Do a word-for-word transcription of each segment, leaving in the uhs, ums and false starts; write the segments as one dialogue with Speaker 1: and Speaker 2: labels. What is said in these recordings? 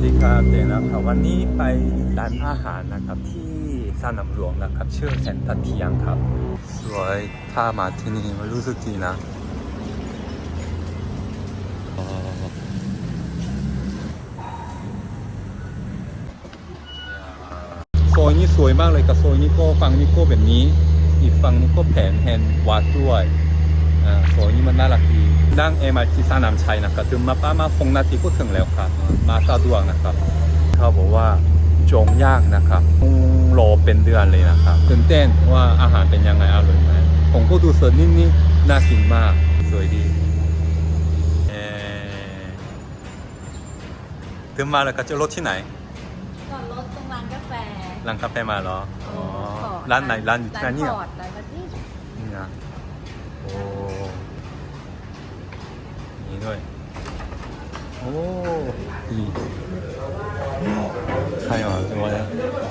Speaker 1: ดีครับเดนนะครับวันนี้ไปร้านอาหารนะครับที่สนามหลวงนะครับชื่อเซ็นทรัลเทียงครับสวยถ้ามาที่นี่มันรู้สึกดีนะโซนนี้สวยมากเลยกับโซนนี้ก็ฝั่งนี้ก็แบบนี้อีกฝั่งนี้ก็แผนแฮนด์วัดด้วยอ่าโซนนี้มันน่ารักดีนั่ง เอ็ม อาร์ ที สนามชัยนะครับถึงมาป้ามาฟงนาทีก็ถึงแล้วครับมาสะดวกนะครับเขาบอกว่าจองยากนะครับต้องรอเป็นเดือนเลยนะครับตื่นเต้นว่าอาหารเป็นยังไงอร่อยไหมผมก็ดูเสิร์ฟนี่น่ากินมากสวยดีเออถึงมาแล้วก็จะรถที่ไหน
Speaker 2: จอดรถตรงร้านกาแฟ
Speaker 1: ร้านกาแฟมาเหรออ๋อร้านไหนร้านอยู่ที่ไหนเนี่ย
Speaker 2: ร้านพอร์ตร้านประเทศ
Speaker 1: นี่นะโอ้นี่ด้วยโอ้ดีใครมาตัวนี้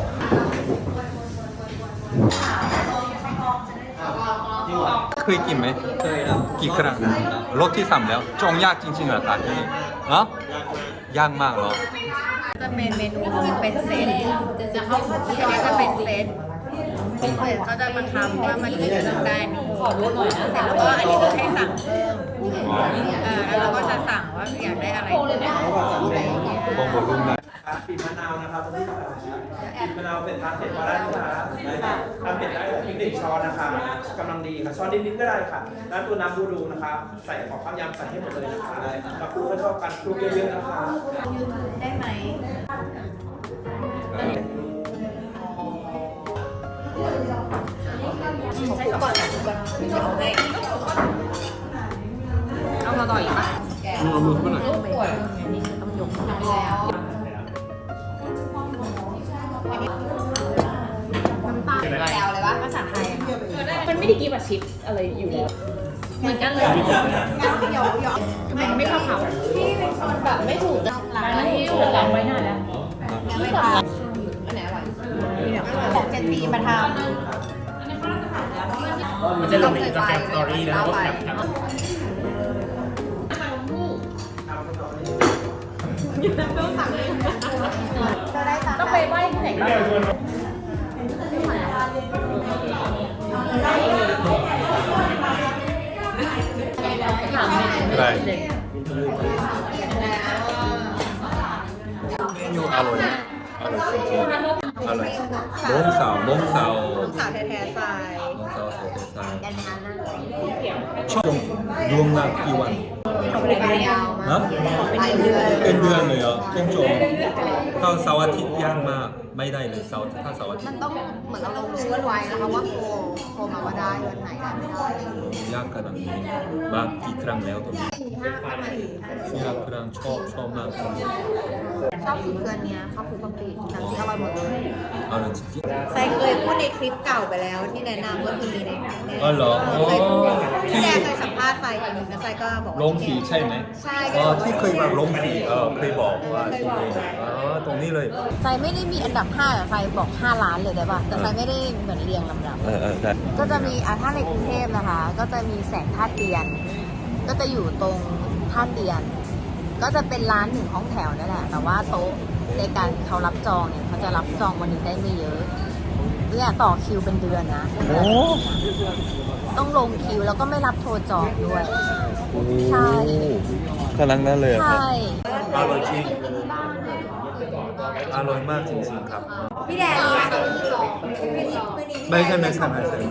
Speaker 1: เคยกินไหมเคยนะกี่ครั้งรสที่สามแล้วจองยากจริงๆเหรอครับที่นี่เนาะยากมากเหรอ
Speaker 2: จะเป็นเมนูเป็นเซตจะเข้าถึงที่อันนี้จะเป็นเซตเป็นเซตเขาจะบังคับว่ามันจะต้องได้นี้ขอรู้หน่อยนะเสร็จแล้วก็อันนี้คือให้สั่งเพิ่มอ่าแล้วเราก็จะสั่งว่าอยากได้อะไรอะไรอย่างเงี้ย
Speaker 1: บองบอลุ่มนะ
Speaker 3: ปีมะนาวนะครับตรงนี้ปีมะนาวเป็นทานเผ็ดพอได้ไหมคะทานเผ็ดได้พริกหนึ่งช้อนนะคะกำลังดีค่ะช้อนนิดๆก็ได้ค่ะแล้วตัวน้ำบูดูนะคะใส่ของข้าวยำใส่ให้หมดเลยนะคะแล้วคลุกให้เข้ากันคลุกเยอะๆนะคะ
Speaker 2: ยูทูบได้ไหมใช้ก่อนนะก่อนเดี๋ยวเอาให้เอามาต่ออีกปะ
Speaker 1: เอามือเข้าหน่อย
Speaker 2: นี่คือต้องยกแล้วน้ำตาลแล้วเลยวะภาษาไทย
Speaker 4: มันไม่ได้กินแบบชิปอะไรอยู่แล้วเหมือนกันเลย
Speaker 2: หยอกหยอก
Speaker 4: ไม่ไม่ชอบเขาที่เป็นชอนแบบไม่ถูกจะร้านที่อยู่หลังไว้นานแล้ว
Speaker 2: ไม่ทำอันไหนอร่อยของเจนปีมาทำ
Speaker 3: มันจะลงในอินสตาแกรมสตอรี่แล้วก็แคป
Speaker 4: ต้องไปไหว้ที่ไหนบ้าง
Speaker 1: ได้เมนูอร่อยมากอร่อยจริงๆอร่อยน้องสาวน้องสาว
Speaker 2: น้องสาวแท้ๆทราย
Speaker 1: น้องสาวแท้ๆทราย
Speaker 2: กันนั้นนะ
Speaker 1: ชอบรวมนานกี่วัน
Speaker 2: เป็นยาวมากเป็นเดือน
Speaker 1: เป็นเดือนเลยเหรอต้องจองถ้าเสาร์อาทิตย์ยากมากไม่ได้เลยเสาร์ถ้าเสาร์อาทิตย์
Speaker 2: มันต้องเหมือนเราลงชื่อไว้นะคะว่าโทรโทรมาว่าได้วันไหนได้ไม่ได้
Speaker 1: ยากขนาดนี้บางกี่ครั้งแล้วตรงนี้
Speaker 2: สี่ห้าประมาณสี่
Speaker 1: ห้าครั้งชอบชอบมาก
Speaker 2: ชอบสีเกลือเนี้ยข้าวคลุกกะปิน้ำจิ้มอร่อยหมดเลย
Speaker 1: อร่อยจริง
Speaker 2: ๆใส่เคยพูดในคลิปเก่าไปแล้วที่แนะนำก็คือมีใน
Speaker 1: อ๋อเหรอ
Speaker 2: ที่แรกเคยสัมภาษณ์ไฟคนนึงแล้วไฟก็บอก
Speaker 1: ลงสีใช่ไหม
Speaker 2: ใช่
Speaker 1: ก็ที่เคยมาลงสีเออเคยบอกว่าที่นี่อ๋อตรงนี้เลย
Speaker 2: ไฟไม่ได้มีอันดับห้าแต่ไฟบอกห้าล้านเลยได้ป่ะแต่ไฟไม่ได้เหมือนเรียงลำดับ
Speaker 1: เออเออได้
Speaker 2: ก็จะมีอ่ะถ้าในกรุงเทพนะคะก็จะมีแสงท่าเตียนก็จะอยู่ตรงท่าเตียนก็จะเป็นร้านหนึ่งห้องแถวนั่นแหละแต่ว่าโต๊ะในการเขารับจองเนี่ยเขาจะรับจองวันนี้ได้ไม่เยอะเนี่ยต่อคิวเป็นเดือนนะโอ้ต้องลงคิวแล้วก็ไม่รับโทรจองด้วยใช่
Speaker 1: ขนาดนั้นเลย
Speaker 2: ใช่
Speaker 1: อร่อยจริงอร่อยมากจริงๆครับ
Speaker 2: พี่แดน
Speaker 1: ไม่ใช่ไม่ใช่ไม่ใช่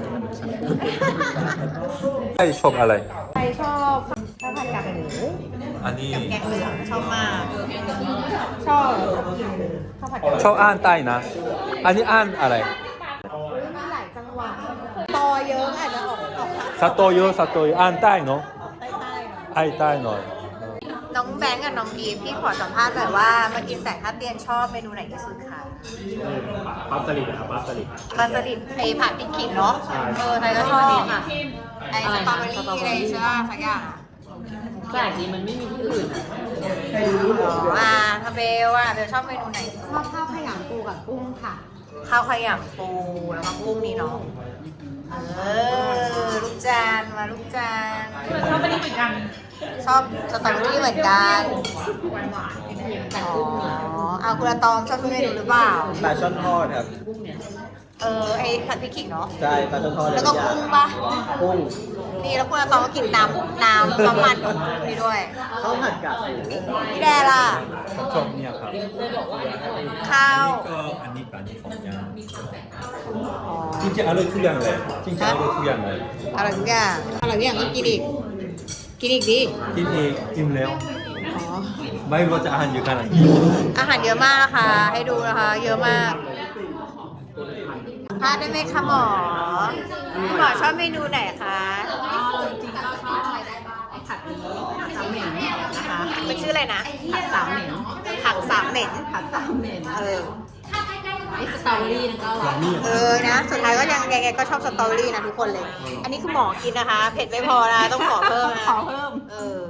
Speaker 1: ใช่ชอบอะไร
Speaker 2: ใครชอบข้าวผัดกากหมู
Speaker 1: อันนี้
Speaker 2: กับแกงเหลืองชอบมากชอบข้าวผัด
Speaker 1: ชอบอ่านใต้นะอันนี้อ่านอะไร
Speaker 2: มีหลายจังหวัดตอเยอะอาจจะออกออก
Speaker 1: สตอเยอะสตอเยอะอ่านใต้เนาะ
Speaker 2: ใต้ใต้
Speaker 1: ใต้ใต้หน่อย
Speaker 2: น้องแบงก์กับน้องกีพี่ขอสัมภาษณ์หน่อยว่ามากินแสงท่าเตียนชอบเมนูไหนที่สุดคะ
Speaker 3: ปลาสลิดนะครับปลาสลิด
Speaker 2: ปลาสลิดไอผัดพริกขิงเนาะเออไทยก็ชอบอ่ะไอสตรอเบอรี่อะไรใช่ป่ะสักอย่าง
Speaker 4: แปลกดีมันไม่มีที่อื่น
Speaker 2: อ๋ออ่าทาเบลอ่ะเบลชอบเมนูไหน
Speaker 4: ชอบข้าวขยำปูกับกุ้งค่ะ
Speaker 2: ข้าวขยำปูแล้วก็กุ้งนี่เนาะเออลูกจานมาลูกจาน
Speaker 4: ชอบอันนี้เหมือนกัน
Speaker 2: ชอบสตรอเบอรี่เหมือนกัน
Speaker 4: หวานหวานเค็มๆแต่
Speaker 2: อ๋อ
Speaker 4: กุ้ง
Speaker 2: เอาคุณอาตอมชอบทุกเมนูหรือเปล่า
Speaker 3: ปลาช่อนทอดครับ
Speaker 2: เออไอผัดพริกขิงเนาะ
Speaker 3: ใช่ปลาช่อนทอด
Speaker 2: แล้วก็กุ้งปะ
Speaker 3: กุ้ง
Speaker 2: นี่แล้วคุณอาตอมก็กินน้ำน้ำน้ำมันของกุ้งนี่ด้วย
Speaker 3: ข้าวผัดกากหมู
Speaker 2: พี่แดล่ะ
Speaker 1: ชอบเนี่ยครับ
Speaker 2: ข้าว
Speaker 1: ก็อันนี้กับอันนี้ของยาจริงๆอร่อยทุกอย่างเลยจริงๆอร่อยทุกอย่างเลย
Speaker 2: อร่อยทุกอย่างอร่อยทุกอย่างก็กินอีก กินอีกดิ
Speaker 1: กินเองอิ่มแล้ว
Speaker 2: อ๋อ
Speaker 1: ไม่รู้ว่าจะอาหารเยอะขนาดนี้
Speaker 2: อาหารเยอะมากนะคะ ให้ดูนะคะ เยอะมากทานได้ไหมคะหมอหมอชอบเมนูไหนคะ
Speaker 4: จริงๆก็ชอบไอ้ผัดนี้ผัดสามเหม็นนะคะ
Speaker 2: มันชื่ออะไรนะ
Speaker 4: ผัดสามเหม็น
Speaker 2: ผักสามเหม็น
Speaker 4: ผัดสามเหม็น
Speaker 2: เออ
Speaker 4: ไอ้สตรอเบอรี่นั่นก็อร่อย
Speaker 2: เออนะ สุดท้ายก็ยังยังไงก็ชอบสตอรี่นะทุกคนเลย อันนี้คือหมอกินนะคะ เผ็ดไม่พอนะ ต้องขอเพิ่มนะ
Speaker 4: ขอเพิ่ม
Speaker 2: เออ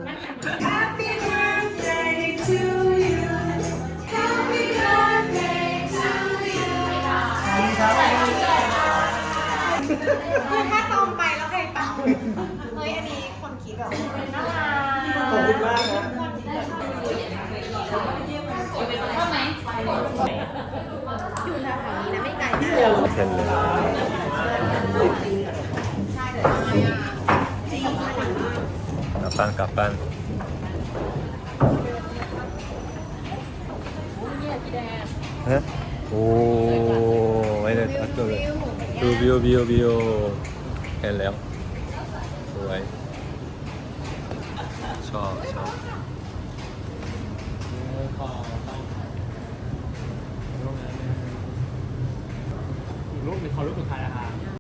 Speaker 2: คือถ้าตอมไปแล้วใครเป่าเฮ้ย อันนี้คนคิดแบบน่ารัก
Speaker 3: ขอบคุณมากครับ
Speaker 2: อยู่แถวๆนี้นะไม่ไกล
Speaker 1: เช่นเลยกลับบ้านกลับบ้านฮะโอ้ไม่ได้ทักเลยดูวิววิววิวเห็นแล้วสวยชอบชอบ
Speaker 5: รูปเป็นขอรูปสุดท้ายนะคะ